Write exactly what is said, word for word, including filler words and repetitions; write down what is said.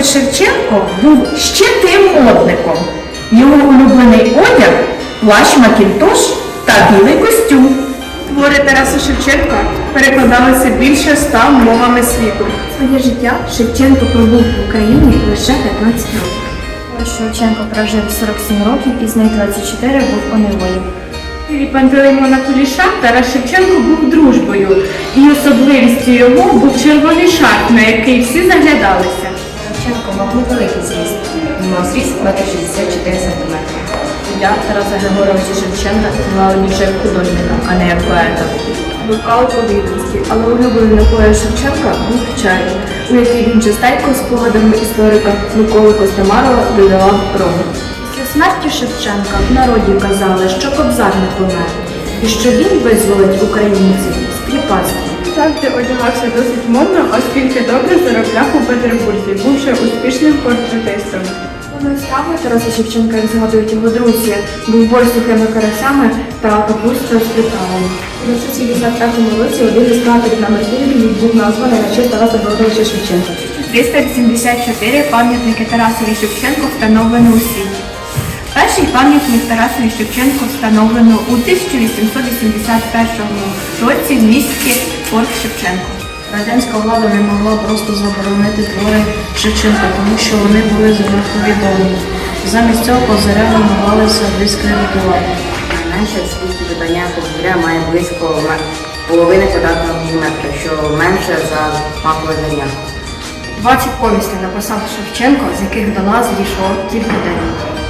Тарасович Шевченко був ще тим модником. Його улюблений одяг – плащ Макінтош та білий костюм. Твори Тараса Шевченка перекладалися більше ста мовами світу. Своє життя Шевченко пробув в Україні лише п'ятнадцять років. Шевченко прожив сорок сім років і з них двадцять чотири був у неволі. І Пантелеймона Куліша Тарас Шевченко був дружбою, і особливістю його був червоний шарф, на який всі заглядалися. Шевченко мав невеликий зріст. Він мав зріст метр шістдесят чотири сантиметри. Ім'я Тараса Григоровича Шевченка звали більше як художника, а не як поета. Вивкав повідомості, але улюблений напою Шевченка був чай, у який він частенько спогадами історика Миколи Костомарова додавав рому. Після смерті Шевченка в народі казали, що Кобзар не помер, і що він визволить українців з кріпацтва. Завжди одягався досить модно, оскільки добре заробляв у Петербурзі, бувши успішним портретистом. Головною стравою Тараса Шевченка, як згадують його друзі, був бой з сухими карасями та капуста з приправами. У тисяча дев'ятсот сімдесят третьому році один із кратерів на Меркурії був названий на честь Тараса Григоровича Шевченка. триста сімдесят чотири пам'ятники Тарасові Шевченку встановлено у світі. Перший пам'ятник Тарасові Шевченку встановлено у тисяча вісімсот вісімдесят першому році в місті Порт Шевченко. Радянська влада не могла просто заборонити твори Шевченка, тому що вони були занадто відомі. Замість цього козиря намагалися дискредитувати. Найменше в світі видання козиря має близько половини квадратного міліметра, що менше за макове зерня. двадцять повістей написав Шевченко, з яких до нас дійшло тільки дев'ять.